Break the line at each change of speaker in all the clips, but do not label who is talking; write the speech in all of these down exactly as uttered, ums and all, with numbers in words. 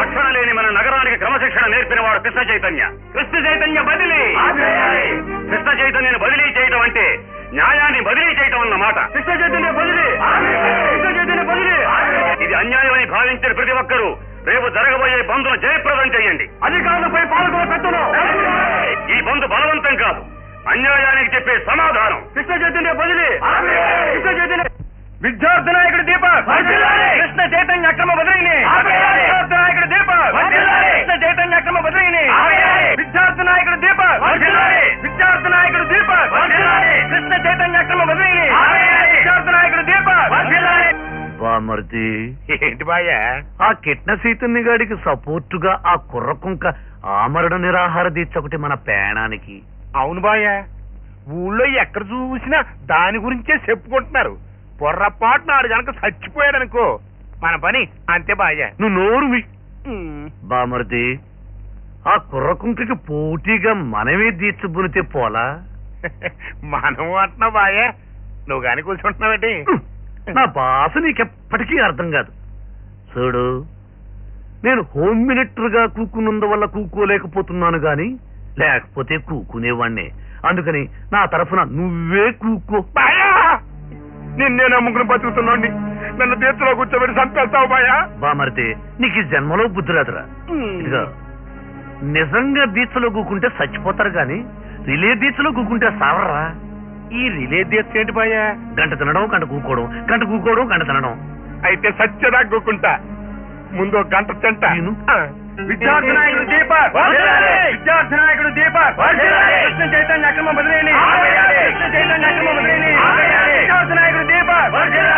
క్రమశిక్షణ లేని మన నగరానికి క్రమశిక్షణ నేర్పిన వాడు కృష్ణ చైతన్య. కృష్ణ చైతన్య బదిలీ. కృష్ణ చైతన్యను బదిలీ చేయడం అంటే న్యాయాన్ని బదిలీ చేయటం అన్నమాట. కృష్ణ చైతన్య బదిలీ. కృష్ణ చైతన్య బదిలీ. ఇది అన్యాయమని భావించిన ప్రతి ఒక్కరూ రేపు జరగబోయే బంద్ను జయప్రదం చేయండి. అధికారులపై పాల్గొన పెట్టను. ఈ బంద్ బలవంతం కాదు, అన్యాయానికి చెప్పే సమాధానం. కృష్ణ చైతన్య బదిలీ. కృష్ణ చైతన్య విద్యార్థి నాయకుడు దీపక్. కృష్ణ చైతన్య అక్రమ బదిలీని. విద్యార్థి నాయకుడు దీపక్. కృష్ణ చైతన్య అక్రమ బదిలీని. విద్యార్థి నాయకుడు దీపక్. విద్యార్థి నాయకుడు దీపక్. కృష్ణ చైతన్య అక్రమ బదిలీని. విద్యార్థి నాయకుడు దీపక్.
బామర్ది
ఏంటి బాయ్యా?
ఆ కిట్న చైతన్య గాడికి సపోర్టుగా ఆ కుర్రకుంక ఆమరణ నిరాహార దీక్ష ఒకటి మన పేణానికి.
అవును బాయ్యా, ఊళ్ళో ఎక్కడ చూసినా దాని గురించే చెప్పుకుంటున్నారు. పొర్రపాటు నాడు కనుక చచ్చిపోయాడనుకో మన పని అంతే బాయ్యా.
నువ్వు నోరువి. బామర్ది ఆ కుర్రకుంకకి పోటీగా మనమే దీక్ష బునితే పోలా?
మనం అంటున్నావు బాయ్యా, నువ్వు గాని కూర్చుంటున్నావేంటి?
నా భాష నీకెప్పటికీ అర్థం కాదు. చూడు, నేను హోమ్ మినిస్టర్ గా కూకున్నందువల్ల కూకోలేకపోతున్నాను గాని లేకపోతే కూకునేవాణ్ణే. అందుకని నా తరఫున నువ్వే కూకో.
నిన్నే నమ్ముకుని బతుకుతున్నాండి, నన్ను తీర్చులో కూర్చోబెట్టి చంపేస్తావు బాయా.
బామర్ది నీకు ఈ జన్మలో బుద్ధి రాదురా. ఇదిగా నిజంగా దీక్షలో కూకుంటే చచ్చిపోతారు గాని రిలే దీక్షలో కూకుంటే సావరా.
ఈ రిలే దీక్ష ఏంటి బాయా?
గంట తినడం, గంట కూకోవడం, గంట కూకోవడం, గంట తినడం.
అయితే సత్యదా కూకుంటా. ముందు గంట తింటా.
విద్యార్థి నాయకుడు దీపక్. విద్యార్థి నాయకుడు దీపక్. కృష్ణ చైతన్య అక్రమ బదిలీని. కృష్ణ చైతన్య అక్రమ బదిలీని. విద్యార్థి నాయకుడు దీపక్.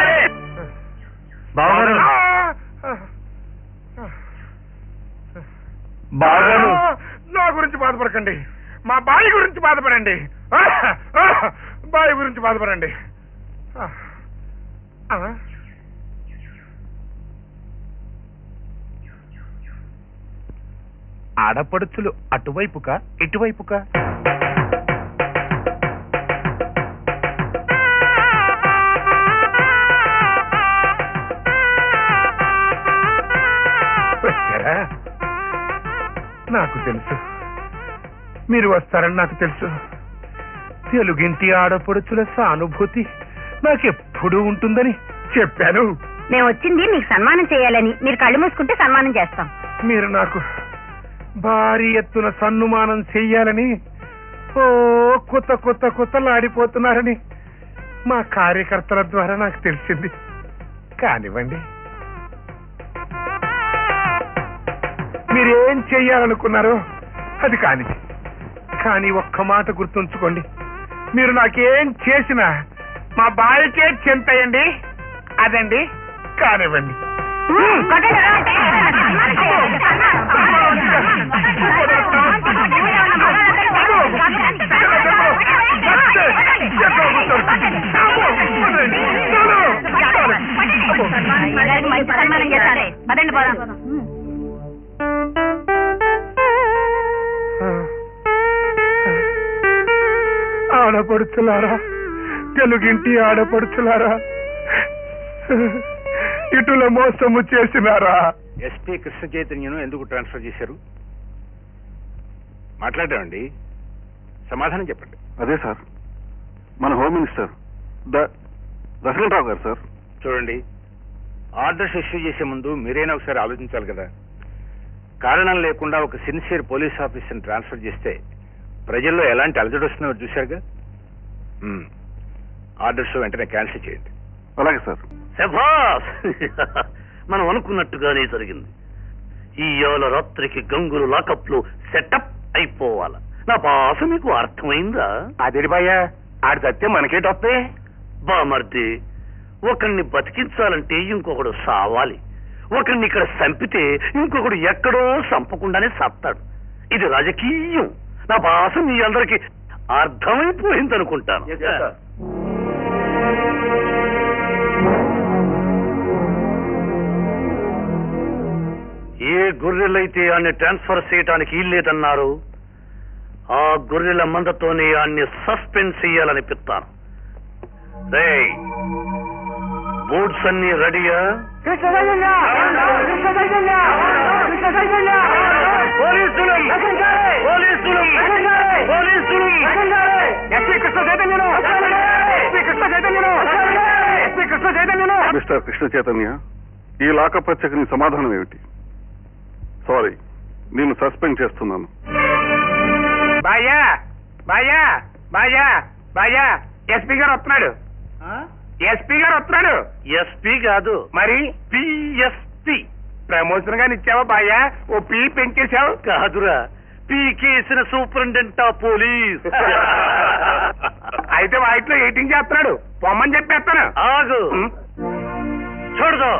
బావగారు
బావగారు నా గురించి బాధపడకండి, మా బావి గురించి బాధపడండి. బావి గురించి బాధపడండి. ఆడపడుచులు అటువైపుకా ఇటువైపుకా? నాకు తెలుసు మీరు వస్తారని నాకు తెలుసు. తెలుగింటి ఆడపడుచుల సానుభూతి నాకెప్పుడూ ఉంటుందని చెప్పాను.
మేము వచ్చింది మీకు సన్మానం చేయాలని. మీరు కళ్ళు మూసుకుంటే సన్మానం చేస్తాం.
మీరు నాకు భారీ ఎత్తున సన్మానం చెయ్యాలని ఓ కొత్త కొత్త కొత్తలాడిపోతున్నారని మా కార్యకర్తల ద్వారా నాకు తెలిసింది. కానివ్వండి, మీరేం చెయ్యాలనుకున్నారో అది కాని. కానీ ఒక్క మాట గుర్తుంచుకోండి, మీరు నాకేం చేసినా మా బావికే చెంతయండి. అదండి, కానివ్వండి. ఆడపడుచులారా, తెలుగింటి ఆడపడుచులారా, ఇటుల మోసము చేసినారా?
ఎస్పీ కృష్ణ చైతన్యను ఎందుకు ట్రాన్స్ఫర్ చేశారు? మాట్లాడామండి, సమాధానం చెప్పండి.
అదే సార్, మన హోమ్ మినిస్టర్ దశరథరావు గారు సార్.
చూడండి, ఆర్డర్స్ ఇష్యూ చేసే ముందు మీరైనా ఒకసారి ఆలోచించాలి కదా. కారణం లేకుండా ఒక సిన్సియర్ పోలీస్ ఆఫీసర్ని ట్రాన్స్ఫర్ చేస్తే ప్రజల్లో ఎలాంటి అలజడి వస్తుందో చూశారుగా. ఆర్డర్స్ వెంటనే క్యాన్సిల్ చేయండి.
అలాగే సార్.
శభాస్, మనం అనుకున్నట్టుగానే జరిగింది. ఈ ఏళ్ళ రాత్రికి గంగులు లాకప్లు సెటప్ అయిపోవాల. నా భాష మీకు అర్థమైందా?
అదేడి బాయ్యా, ఆడి చస్తే మనకేటొస్తే?
బామర్ది, ఒకరిని బతికించాలంటే ఇంకొకడు సావాలి. ఒకరిని ఇక్కడ చంపితే ఇంకొకడు ఎక్కడో చంపకుండానే సత్తాడు. ఇది రాజకీయం. నా భాష మీ అందరికి అర్థమైపోయింది అనుకుంటాను. ఏ గొర్రెలైతే ఆన్ని ట్రాన్స్ఫర్ చేయటానికి ఇల్లేదన్నారు, ఆ గొర్రెల మందతోనే ఆన్ని సస్పెండ్ చేయాలనిపిస్తాను. రేయ్, బోర్డ్స్ అన్ని రెడీయా?
కృష్ణ
మిస్టర్ కృష్ణ చైతన్య, ఈ లాకప్ హత్యకు నీ సమాధానం ఏమిటి? సారీ, నేను సస్పెండ్ చేస్తున్నాను.
బాయ్యా బాయ్యా బాయ్యా బాయ్యా ఎస్పీ గారు వస్తున్నాడు. ఎస్పీ గారు వస్తున్నాడు.
ఎస్పీ కాదు,
మరి
పిఎస్పి.
ప్రమోషన్ గాని ఇచ్చావా బాయ్యా? O P పెంచేశావు.
కాదురా, పీకేసిన సూపరింటెండెంట్ ఆఫ్ పోలీస్.
అయితే వాటిలో ఎయిటింగ్ చేస్తున్నాడు. పొమ్మని చెప్పేస్తాను.
ఆగు, చూడదు.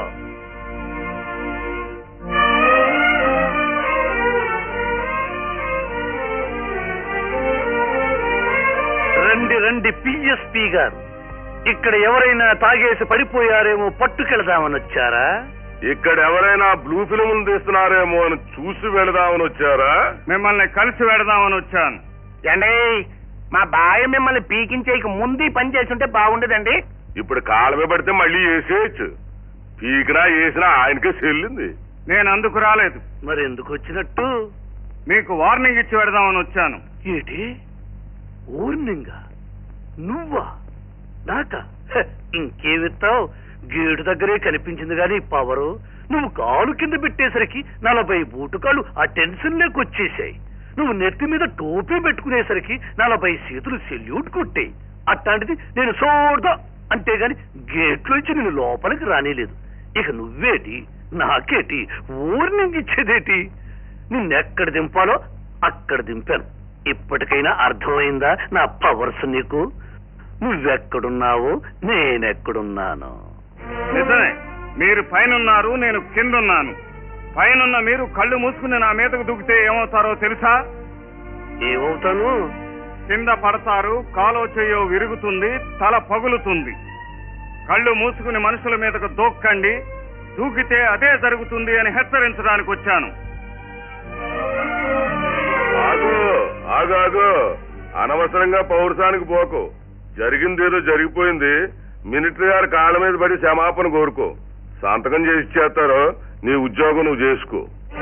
రండి రండి పిఎస్పి గారు, ఇక్కడ ఎవరైనా తాగేసి పడిపోయారేమో పట్టుకెళదామని వచ్చారా?
ఇక్కడ ఎవరైనా బ్లూ ఫిల్మ్ తీస్తున్నారేమో అని చూసి వెళదామని వచ్చారా? మిమ్మల్ని కలిసి వెళదామని వచ్చాను.
ఏండి, మా బాయ్య మిమ్మల్ని పీకించేయక ముందు ఈ పని చేస్తుంటే బాగుండేదండి.
ఇప్పుడు కాలమే పడితే మళ్ళీ వేసేయచ్చు. పీకినా వేసినా ఆయనకే చెల్లింది. నేను అందుకు రాలేదు.
మరి ఎందుకు వచ్చినట్టు?
మీకు వార్నింగ్ ఇచ్చి వెళదామని వచ్చాను.
ఏటి ఊర్నింగా? నువ్వా? నాక ఇంకేమిస్తావు? గేటు దగ్గరే కనిపించింది గాని పవరు. నువ్వు కాలు కింద పెట్టేసరికి నలభై బూటుకాలు ఆ టెన్షన్ లేకొచ్చేసాయి. నువ్వు నెత్తి మీద టోపీ పెట్టుకునేసరికి నలభై చేతులు సెల్యూట్ కొట్టాయి. అట్లాంటిది నేను చూడదా అంతేగాని గేట్లోంచి నేను లోపలికి రానేలేదు. ఇక నువ్వేటి నాకేటి ఊర్నింగ్ ఇచ్చేదేటి? నిన్నెక్కడ దింపాలో అక్కడ దింపాను. ఇప్పటికైనా అర్థమైందా నా పవర్స్ నీకు? నువ్వెక్కడున్నావో నేనెక్కడున్నాను.
నిజమే, మీరు పైనున్నారు, నేను కిందున్నాను. పైనున్న మీరు కళ్ళు మూసుకుని నా మీదకు దూకితే ఏమవుతారో తెలుసా?
ఏమవుతాను?
కింద పడతారు, కాలో చెయ్యో విరుగుతుంది, తల పగులుతుంది. కళ్ళు మూసుకుని మనుషుల మీదకు దూక్కండి, దూకితే అదే జరుగుతుంది అని హెచ్చరించడానికి వచ్చాను.
ఆగు ఆగు ఆగు అనవసరంగా పౌరుషానికి పోకు. జరిగిందేదో జరిగిపోయింది. మిలిటరీ గారి కాళ్ళ మీద పడి క్షమాపణ కోరుకో. సంతకం చేసి ఇచ్చేస్తారో నీ ఉద్యోగం నువ్వు చేసుకో.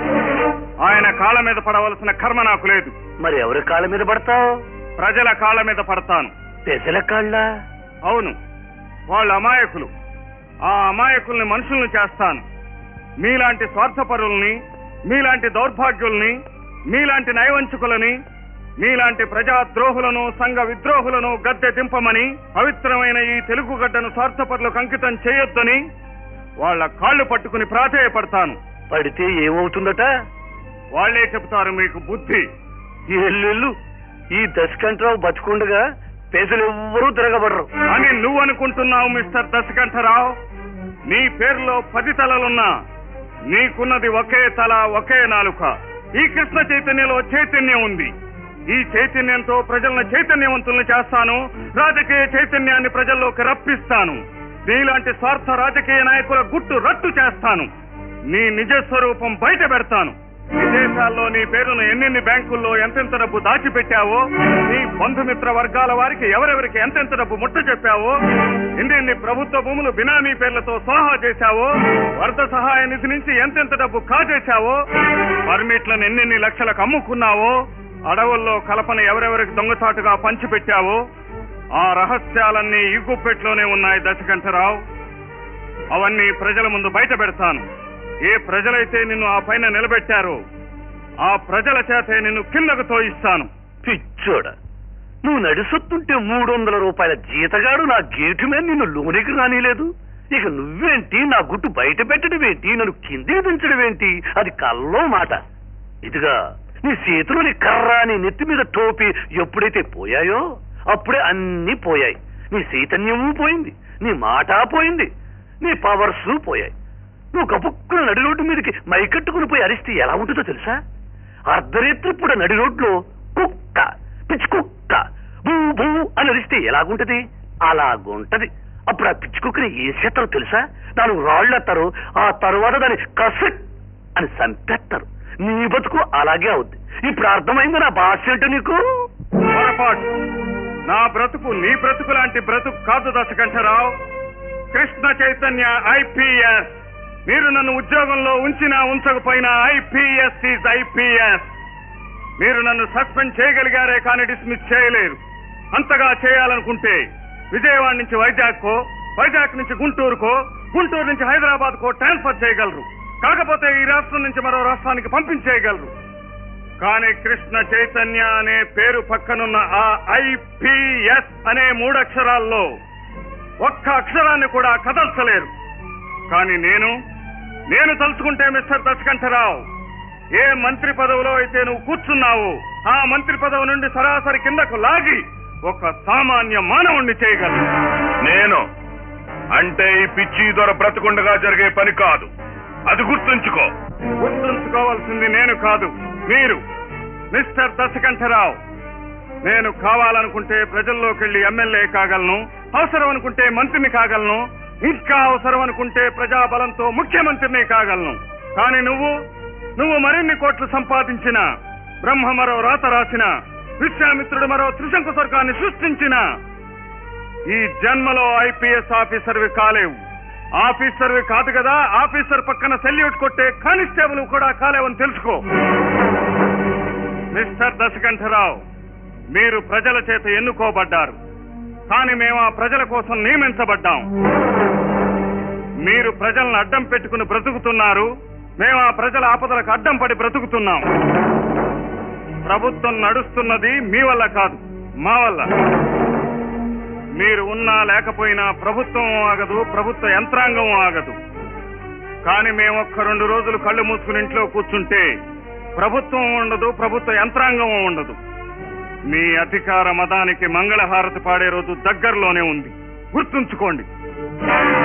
ఆయన కాళ్ళ మీద పడవలసిన కర్మ నాకు లేదు.
మరి ఎవరి కాళ్ళ మీద పడతావు?
ప్రజల కాళ్ళ మీద పడతాను.
పెసల కాళ్ళ?
అవును, వాళ్ళు అమాయకులు. ఆ అమాయకుల్ని మనుషుల్ని చేస్తాను. మీలాంటి స్వార్థపరుల్ని, మీలాంటి దౌర్భాగ్యుల్ని, మీలాంటి నయవంచుకులని, మీలాంటి ప్రజాద్రోహులను, సంఘ విద్రోహులను గద్దె దింపమని, పవిత్రమైన ఈ తెలుగు గడ్డను స్వార్థపరులకు అంకితం చేయొద్దని వాళ్ళ కాళ్ళు పట్టుకుని ప్రాధేయపడతాను.
పడితే ఏమవుతుందట?
వాళ్లే చెప్తారు మీకు బుద్ధి.
ఎల్లు ఈ దశకంఠరావు బతుకుండగా పేదలు ఎవ్వరూ తిరగబడరు
అని నువ్వు అనుకుంటున్నావు మిస్టర్ దశకంఠరావు. నీ పేరులో పది తలలున్నా నీకున్నది ఒకే తల, ఒకే నాలుక. ఈ కృష్ణ చైతన్యంలో చైతన్యం ఉంది. ఈ చైతన్యంతో ప్రజలను చైతన్యవంతుల్ని చేస్తాను. రాజకీయ చైతన్యాన్ని ప్రజల్లోకి రప్పిస్తాను. నీలాంటి స్వార్థ రాజకీయ నాయకుల గుట్టు రట్టు చేస్తాను. నీ నిజ స్వరూపం బయట పెడతాను. విదేశాల్లో నీ పేరును ఎన్నెన్ని బ్యాంకుల్లో ఎంతెంత డబ్బు దాచిపెట్టావో, నీ బంధుమిత్ర వర్గాల వారికి ఎవరెవరికి ఎంతెంత డబ్బు ముట్ట చెప్పావో, ఎన్నెన్ని ప్రభుత్వ భూములు బినామీ పేర్లతో సోహా చేశావో, వరద సహాయ నిధి నుంచి ఎంతెంత డబ్బు కాజేశావో, పర్మిట్లను ఎన్నెన్ని లక్షలకు అమ్ముకున్నావో, అడవుల్లో కలపను ఎవరెవరికి దొంగచాటుగా పంచిపెట్టావో, ఆ రహస్యాలన్నీ ఇగ్గుపెట్లోనే ఉన్నాయి దశకంఠరావు. అవన్నీ ప్రజల ముందు బయట పెడతాను. ఏ ప్రజలైతే నిన్ను ఆ పైన నిలబెట్టారో ఆ ప్రజల చేతే నిన్ను కిందకు తోయిస్తాను.
పిచ్చోడ, నువ్వు నడిసొత్తుంటే మూడు వందల రూపాయల జీతగాడు నా గేటు మీద నిన్ను లోనికి రానిలేదు. ఇక నువ్వేంటి నా గుట్టు బయట పెట్టడం ఏంటి? నన్ను కిందికి దించడం ఏంటి? అది కల్లో మాట. ఇదిగా నీ చేతిలోని కర్ర, నీ నెత్తి మీద టోపీ ఎప్పుడైతే పోయాయో అప్పుడే అన్నీ పోయాయి. నీ చైతన్యము పోయింది, నీ మాట పోయింది, నీ పవర్స్ పోయాయి. నువ్వు కపుక్కున నడి రోడ్డు మీదకి మైకట్టుకుని పోయి అరిస్తే ఎలా ఉంటుందో తెలుసా? అర్ధరేత్రి పూట నడి రోడ్లో కుక్క, పిచ్చి కుక్క బూ బూ అని అరిస్తే ఎలాగుంటది? అలాగుంటది. అప్పుడు ఆ పిచ్చి కుక్కని ఏం చేస్తారో తెలుసా? నాలుగు రాళ్ళు ఎత్తారు, ఆ తరువాత దాన్ని కసక్ అని చంపేస్తారు. నీ బతుకు అలాగే అవుద్ది. ఇప్పుడు అర్థమైంది నా భాష ఏంటో నీకు?
పొరపాటు. నా బ్రతుకు నీ బ్రతుకు లాంటి బ్రతుకు కాదు దశకంఠరావు. కృష్ణ చైతన్య ఐపీఎస్. మీరు నన్ను ఉద్యోగంలో ఉంచినా ఉంచకపోయినా ఐపీఎస్ ఈజ్ ఐపీఎస్. మీరు నన్ను సస్పెండ్ చేయగలిగారే కానీ డిస్మిస్ చేయలేరు. అంతగా చేయాలనుకుంటే విజయవాడ నుంచి వైజాగ్కో, వైజాగ్ నుంచి గుంటూరుకో, గుంటూరు నుంచి హైదరాబాద్ కు ట్రాన్స్ఫర్ చేయగలరు. కాకపోతే ఈ రాష్ట్రం నుంచి మరో రాష్ట్రానికి పంపించేయగలరు. కానీ కృష్ణ చైతన్య అనే పేరు పక్కనున్న ఆ ఐపీఎస్ అనే మూడక్షరాల్లో ఒక్క అక్షరాన్ని కూడా కదల్చలేరు. కానీ నేను నేను తలుచుకుంటే మిస్టర్ దశకంఠరావు, ఏ మంత్రి పదవిలో అయితే నువ్వు కూర్చున్నావు ఆ మంత్రి పదవి నుండి సరాసరి కిందకు లాగి ఒక సామాన్య మానవుణ్ణి చేయగలను.
నేను అంటే ఈ పిచ్చి దొర బ్రతకుండగా జరిగే పని కాదు, అది గుర్తుంచుకో.
గుర్తుంచుకోవాల్సింది నేను కాదు, మీరు. మిస్టర్ దశకంఠరావు, నేను కావాలనుకుంటే ప్రజల్లోకి వెళ్లి ఎమ్మెల్యే కాగలను, అవసరం అనుకుంటే మంత్రిని కాగలను, ఇంకా అవసరం అనుకుంటే ప్రజాబలంతో ముఖ్యమంత్రిని కాగలను. కానీ నువ్వు నువ్వు మరిన్ని కోట్లు సంపాదించిన, బ్రహ్మ మరో రాత రాసిన, విశ్వామిత్రుడు మరో త్రిశంకు స్వర్గాన్ని సృష్టించిన ఈ జన్మలో ఐపీఎస్ ఆఫీసర్వి కాలేవు. ఆఫీసర్వి కాదు కదా, ఆఫీసర్ పక్కన సెల్యూట్ కొట్టే కానిస్టేబుల్ కూడా కాలేవని తెలుసుకో. మిస్టర్ దశకంఠరావు, మీరు ప్రజల చేత ఎన్నుకోబడ్డారు, కానీ మేము ఆ ప్రజల కోసం నియమించబడ్డాం. మీరు ప్రజలను అడ్డం పెట్టుకుని బ్రతుకుతున్నారు, మేము ఆ ప్రజల ఆపదలకు అడ్డం పడి బ్రతుకుతున్నాం. ప్రభుత్వం నడుస్తున్నది మీ వల్ల కాదు, మా వల్ల. మీరు ఉన్నా లేకపోయినా ప్రభుత్వం ఆగదు, ప్రభుత్వ యంత్రాంగం ఆగదు. కానీ మేము ఒక్క రెండు రోజులు కళ్ళు మూసుకుని ఇంట్లో కూర్చుంటే ప్రభుత్వం ఉండదు, ప్రభుత్వ యంత్రాంగం ఉండదు. మీ అధికార మదానికి మంగళహారతి పాడే రోజు దగ్గరలోనే ఉంది, గుర్తుంచుకోండి.